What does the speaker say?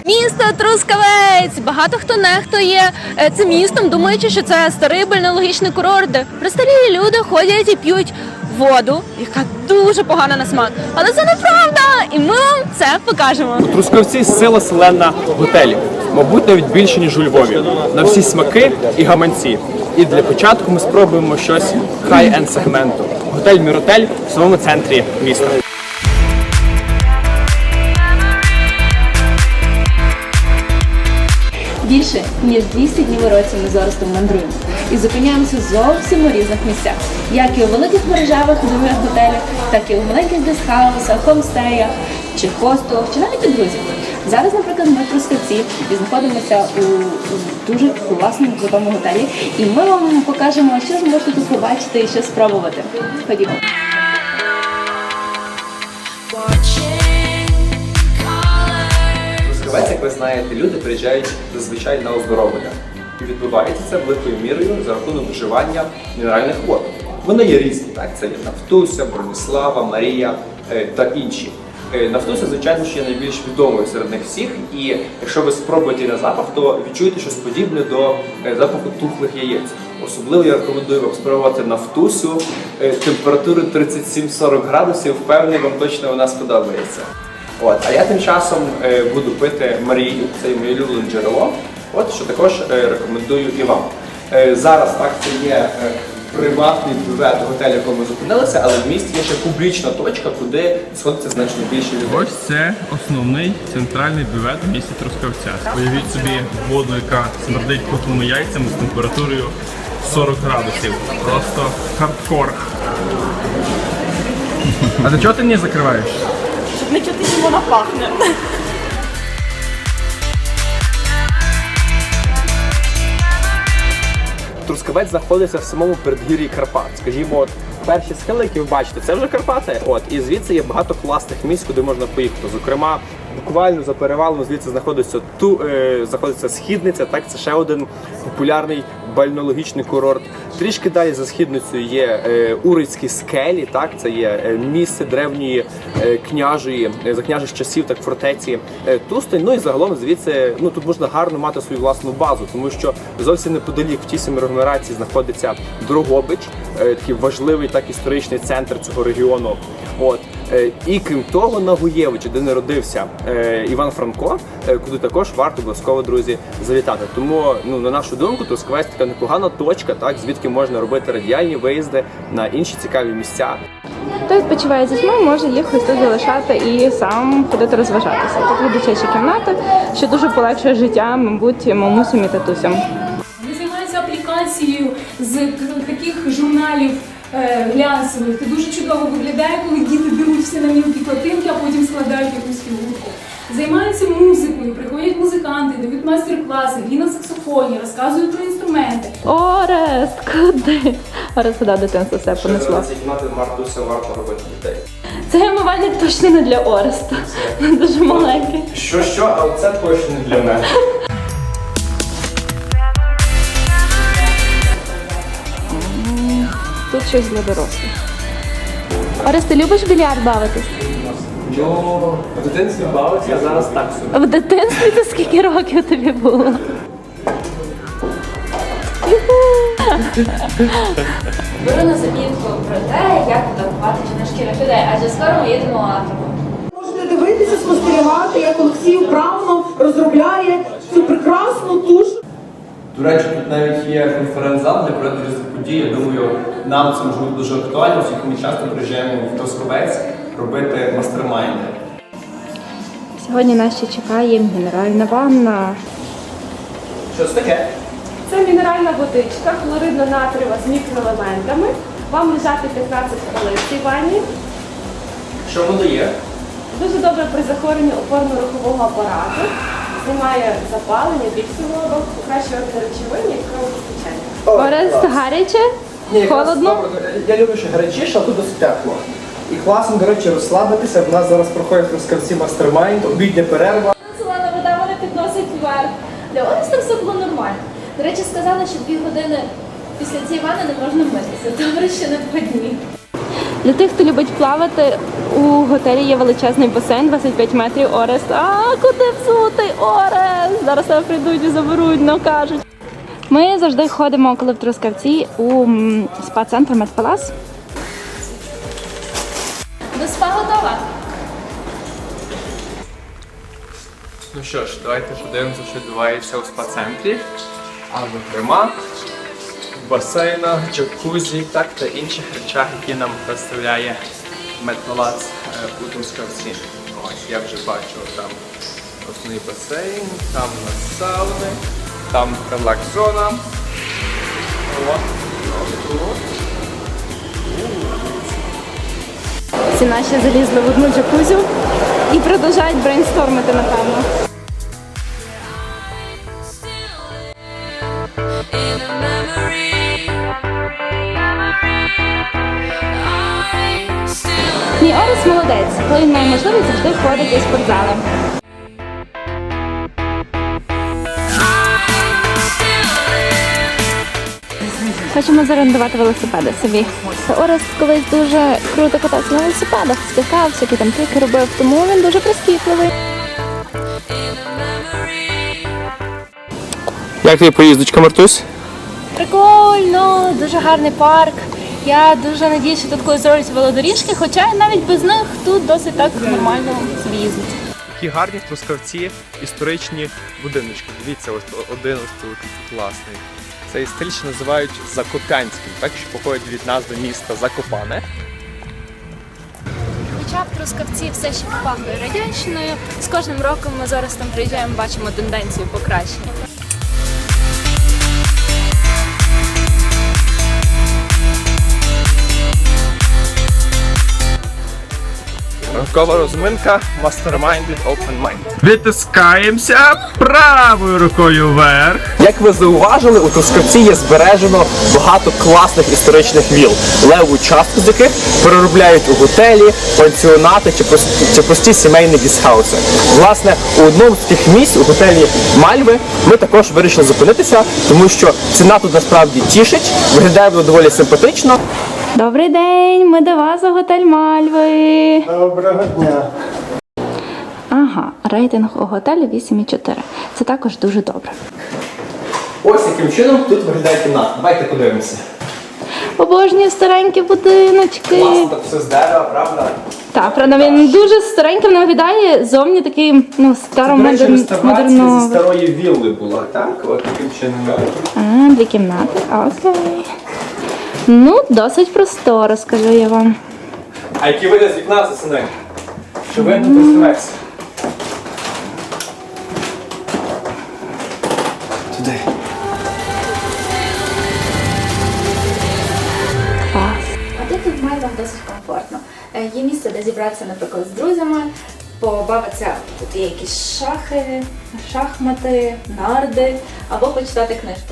Місто Трускавець! Багато хто нехтує цим містом, думаючи, що це старий бальнеологічний курорт, де престарілі люди ходять і п'ють воду, яка дуже погана на смак. Але це неправда! І ми вам це покажемо. У Трускавці сила селена готелів. Мабуть, навіть більше, ніж у Львові. На всі смаки і гаманці. І для початку ми спробуємо щось хай-енд сегменту. Готель Міротель в самому центрі міста. Більше, ніж 200 днів у році ми з Орестом мандруємо і зупиняємося зовсім у різних місцях. Як і у великих мережевих нових готелях, так і у маленьких гестхаусах, хомстеях, чи хостелах, чи навіть у друзів. Зараз, наприклад, ми в Трускавці і знаходимося у дуже класному, крутому готелі. І ми вам покажемо, що ви можете тут побачити і що спробувати. Ходімо. Трускавець, як ви знаєте, люди приїжджають зазвичай на оздоровлення. І відбувається це великою мірою за рахунок вживання мінеральних вод. Вони є різні, так? Це є Нафтуся, Броніслава, Марія та інші. Нафтуся, звичайно, що є найбільш відомою серед них всіх, і якщо ви спробуєте на запах, то відчуєте щось подібне до запаху тухлих яєць. Особливо я рекомендую вам спробувати Нафтусю температури 37-40 градусів, впевнений, вам точно вона сподобається. А я тим часом буду пити Марію, це моє улюблене джерело, що також рекомендую і вам. Зараз так, це є приватний бювет готелю, в якому ми зупинилися, але в місті є ще публічна точка, куди сходиться значно більше людей. Ось це основний центральний бювет в місті Трускавця. Уявіть собі воду, яка смердить тухлими яйцями з температурою 40 градусів. Просто хардкор. А до чого ти не закриваєш? Щоб не чути, чим вона пахне. Трускавець знаходиться в самому передгір'ї Карпат. Скажімо, перші схили, які ви бачите, це вже Карпати. І звідси є багато класних місць, куди можна поїхати. Зокрема, буквально за перевалом звідси знаходиться Східниця, так, це ще один популярний бальнеологічний курорт. Трішки далі за Східницею є Урицькі скелі, так, це є місце древньої княжої, за княжих часів, так, фортеці Тустань. І загалом звідси, тут можна гарно мати свою власну базу, тому що зовсім неподалік в тій самій агломерації знаходиться Дрогобич, такий важливий так історичний центр цього регіону. І крім того, на Гуєвичі, де народився Іван Франко, куди також варто обов'язково, друзі, завітати. Тому, на нашу думку, Трускавець така непогана точка, так, звідки можна робити радіальні виїзди на інші цікаві місця. Хто відпочиває з дітьми, може їх ось тут залишати і сам ходити розважатися. Тут є дитяча кімната, що дуже полегшує життя, мабуть, мамусям і татусям. Вони займаються аплікацією з таких журналів глянцевих. Це дуже чудово виглядає, коли діти беруть всі на мілкі платинки, а потім складають якусь фігурку. Займаються музикою, приходять музиканти, дають майстер-класи, грі на саксофоні, розказують про інструменти. Орест, куди? Орест, куди дитинство все понесло? Ще кімнати Мартуся варто робити дітей. Цей умивальник точно не для Ореста. Дуже маленький. Що, а це точно не для мене. Тут щось для дорослих. Орест, ти любиш в більярд бавитись? В дитинстві бавився, а зараз так собі. В дитинстві це скільки років тобі було? Беру на замітку про те, як фотографувати жіночких людей, адже скоро ми їдемо в Африку. Можете дивитися, спостерігати, як Олексій вправно розробляє цю прекрасну туш. До речі, тут навіть є конференц-зал для проведення різних подій. Я думаю, нам це може бути дуже актуально, оскільки ми часто приїжджаємо в Трускавець робити мастер-майнди. Сьогодні нас ще чекає мінеральна ванна. Що це таке? Це мінеральна водичка, хлоридно-натрієва з мікроелементами. Вам лежати 15 хвилин в цій ванні. Що воно дає? Дуже добре при захворюванні опорно-рухового апарату. Знімає запалення, біль суглобів, покращує речовини і кровопостачання. Орест, гаряче? Холодно? Я люблю, що гарячіше, а тут досить тепло. І класно, до речі, розслабитися. В нас зараз проходить в Трускавці мастер-майнд, обідня перерва. Солена вода мене підносить вверх. Для Ореста все було нормально. До речі, сказали, що 2 години після цієї ванни не можна митися. Добре, що не по дні. Для тих, хто любить плавати, у готелі є величезний басейн, 25 метрів Орест. А куди взутий Орест? Зараз тебе прийдуть і заберуть, ну кажуть. Ми завжди ходимо, коли в Трускавці, у спа-центр Медпалас. До спа готова? Ну що ж, давайте подивимося, що відбувається у спа-центрі. А зокрема, в басейнах, джакузі, так та інших речах, які нам представляє Медпалац у Трускавці. Ось, я вже бачу, там основний басейн, там у нас сауни, там релакс-зона. Всі наші залізли в одну джакузю і продовжують брейнстормити, напевно. Мій Орест молодець, коли він має можливість, завжди ходить у спортзали. Хочемо зорендувати велосипеди собі. Орест колись дуже круто катався на велосипедах, скакав, всякі там трюки робив, тому він дуже прискіпливий. Як тобі поїздочка, Мартусь? Прикольно, дуже гарний парк. Я дуже надіюсь, що тут колись зроблять велодоріжки, хоча навіть без них тут досить так нормально собі їздить. Які гарні в Трускавці історичні будиночки. Дивіться, ось один ось тут класний. Цей стиль ще називають Закопянським, так що походить від назви міста Закопане. Хоча в Трускавці все ще попахує радянщиною, з кожним роком ми зараз там приїжджаємо, бачимо тенденцію покращення. Ранкова розминка Mastermind with Open Mind. Витискаємося правою рукою вверх. Як ви зауважили, у Трускавці є збережено багато класних історичних віл, леву частку з яких переробляють у готелі, пансіонати чи прості сімейні гістхауси. Власне, у одному з таких місць, у готелі Мальви, ми також вирішили зупинитися, тому що ціна тут насправді тішить, виглядає воно доволі симпатично. Добрий день, ми до вас у готель Мальви. Доброго дня. Ага, рейтинг у готелі 8,4. Це також дуже добре. Ось яким чином тут виглядає кімната. Давайте подивимося. Обожнюю старенькі будиночки. Класно, так все з дерева, правда? Так, правда, він дуже стареньким виглядає, зовні такий, ну, Реставрація зі модерновий. старої вілли була, так? От таким чином. А, 2 кімнати, окей. Ну, досить просторо, скажу я вам. А який вигляд з вікна за сини? Що видно Трускавець? Туди. А тут в Мальвах досить комфортно. Є місце, де зібратися, наприклад, з друзями, побавитися, тут є якісь шахи, шахмати, нарди, або почитати книжку.